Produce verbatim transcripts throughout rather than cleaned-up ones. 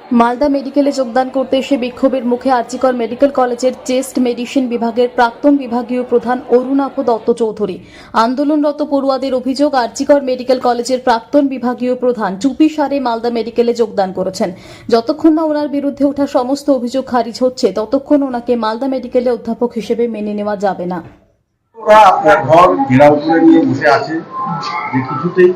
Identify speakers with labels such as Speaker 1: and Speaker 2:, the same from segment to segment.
Speaker 1: মালদা মেডিকেলে যোগদান করতে এসে বিক্ষোভের মুখে আরজিকর মেডিকেল কলেজের চেস্ট মেডিসিন বিভাগের প্রাক্তন বিভাগীয় প্রধান অরুণাভ দত্ত চৌধুরী। আন্দোলনরত পড়ুয়াদের অভিযোগ, আরজিকর মেডিকেল কলেজের প্রাক্তন বিভাগীয় প্রধান চুপি সারে মালদা মেডিকেলে যোগদান করেছেন। যতক্ষণ না ওনার বিরুদ্ধে ওঠা সমস্ত অভিযোগ খারিজ হচ্ছে ততক্ষণ ওনাকে মালদা মেডিকেলে অধ্যাপক হিসেবে মেনে নেওয়া যাবে না।
Speaker 2: ওরা আপনার ঘর ঘেরাও করে নিয়ে বসে আছে যে কিছুতেই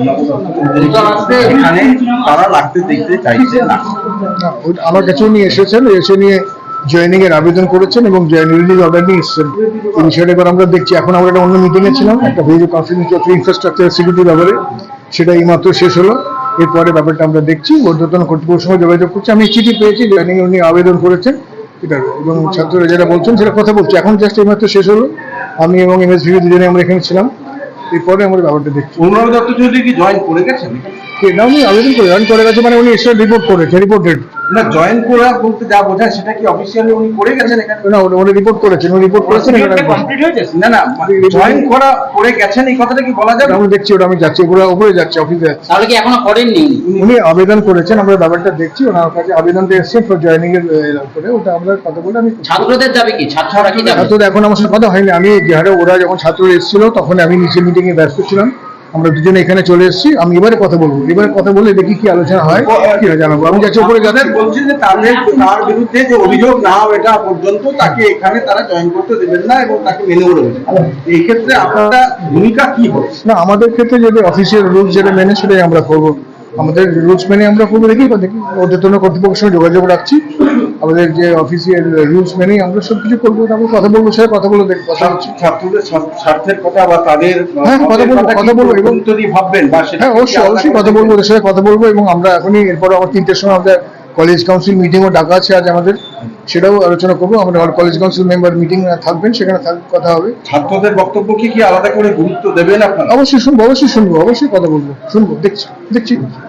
Speaker 2: এখানে তারা লাগতে দেখতে চাইছে না।
Speaker 3: আমার কাছেও নিয়ে এসেছেন, এসে নিয়ে জয়েনিং এর আবেদন করেছেন এবং জয়েনিং অর্ডার নিয়ে এসেছেন। এই বিষয়টা এবার আমরা দেখছি। এখন আমরা একটা অন্য মিটিংয়ে ছিলাম, একটা ভিডিও কনফারেন্স ইনফ্রাস্ট্রাকচার সিকিউরিটির ব্যাপারে, সেটা এই মাত্র শেষ হলো। এরপরে ব্যাপারটা আমরা দেখছি, ঊর্ধ্বতন কর্তৃপক্ষের সঙ্গে যোগাযোগ করছি। আমি চিঠি পেয়েছি, জয়েনিং উনি আবেদন করেছেন এটা, এবং ছাত্ররা যেটা বলছেন সেটা কথা বলছি। এখন জাস্ট এই মাত্র শেষ হলো। আমি এবং এম এস ভিভি দুজনে আমরা এখানে ছিলাম। এরপরে আমরা ব্যাপারটা দেখছি।
Speaker 2: অরুণাভ দত্ত চৌধুরী কি জয়েন করে গেছেন?
Speaker 3: না, উনি আবেদন করে জয়েন করে গেছে, মানে উনি এসে রিপোর্ট করেছে, রিপোর্টেড
Speaker 2: না। জয়েন করা বলতে যা বোঝায় সেটা কি অফিসিয়ালি উনি করে গেছেন এখানে?
Speaker 3: না, উনি রিপোর্ট করেছেন, উনি রিপোর্ট করেছেন এখানে
Speaker 2: কমপ্লিট হয়ে গেছে। না না, জয়েন করা করে গেছেন এই কথাটা কি বলা যাবে?
Speaker 3: আমি দেখছি, ওটা আমি যাচ্ছি, পুরো উপরে যাচ্ছি, অফিসে যাচ্ছি।
Speaker 4: তাহলে কি এখনো করেননি?
Speaker 3: উনি আবেদন করেছেন, আমরা ব্যাপারটা দেখছি। ওনার কাছে আবেদনটা এসেছে ফর জয়েনিং এর করে, ওটা আমরা কথা বলে আমি
Speaker 4: ছাত্রদের যাবে কি? ছাত্ররা কি যাবে?
Speaker 3: ছাত্রদের এখন আমার সাথে কথা হয়নি। আমি যে হারে ওরা যখন ছাত্ররা এসেছিল তখন আমি নিচে মিটিং এ ব্যস্ত ছিলাম। আমরা দুজনে এখানে চলে এসেছি। আমি এবারে কথা বলবো, এবারে কথা বলে দেখি কি আলোচনা হয়, কি হয় জানাবো। আমি যাচ্ছি উপরে যাদের
Speaker 2: বলছি যে তাদের তার বিরুদ্ধে যে অভিযোগ না হয় এটা পর্যন্ত তাকে এখানে তারা জয়েন করতে দেবেন না এবং তাকে মেনে নেবেন। এই ক্ষেত্রে আপনারা ভূমিকা কি হবে?
Speaker 3: না, আমাদের ক্ষেত্রে যদি অফিসিয়াল রুলস যেটা মেনে সেটাই আমরা করবো। আমাদের রুলস মেনে আমরা করবো, দেখি দেখি ঊর্ধ্বতন কর্তৃপক্ষের সঙ্গে যোগাযোগ রাখছি। আমাদের যে অফিসিয়াল রুলস মেনেই আমরা সবকিছু করবো। আমরা কথা বলবো, সে কথা বলে দেখবো।
Speaker 2: ছাত্রদের স্বার্থের কথা বা তাদের
Speaker 3: হ্যাঁ কথা বলবো, কথা বলবো এবং
Speaker 2: যদি ভাববেন বা
Speaker 3: হ্যাঁ অবশ্যই অবশ্যই কথা বলবো, ওদের সাথে কথা বলবো। এবং আমরা এখনই এরপরে আমার তিনটের সময় আমাদের কলেজ কাউন্সিল মিটিংও ডাকা আছে আজ আমাদের, সেটাও আলোচনা করবো। আমাদের কলেজ কাউন্সিল মেম্বার মিটিং থাকবেন, সেখানে কথা হবে।
Speaker 2: ছাত্রদের বক্তব্য কি কি আলাদা করে গুরুত্ব দেবেন আপনারা?
Speaker 3: অবশ্যই শুনবো, অবশ্যই শুনবো, অবশ্যই কথা বলবো, শুনবো, দেখছি দেখছি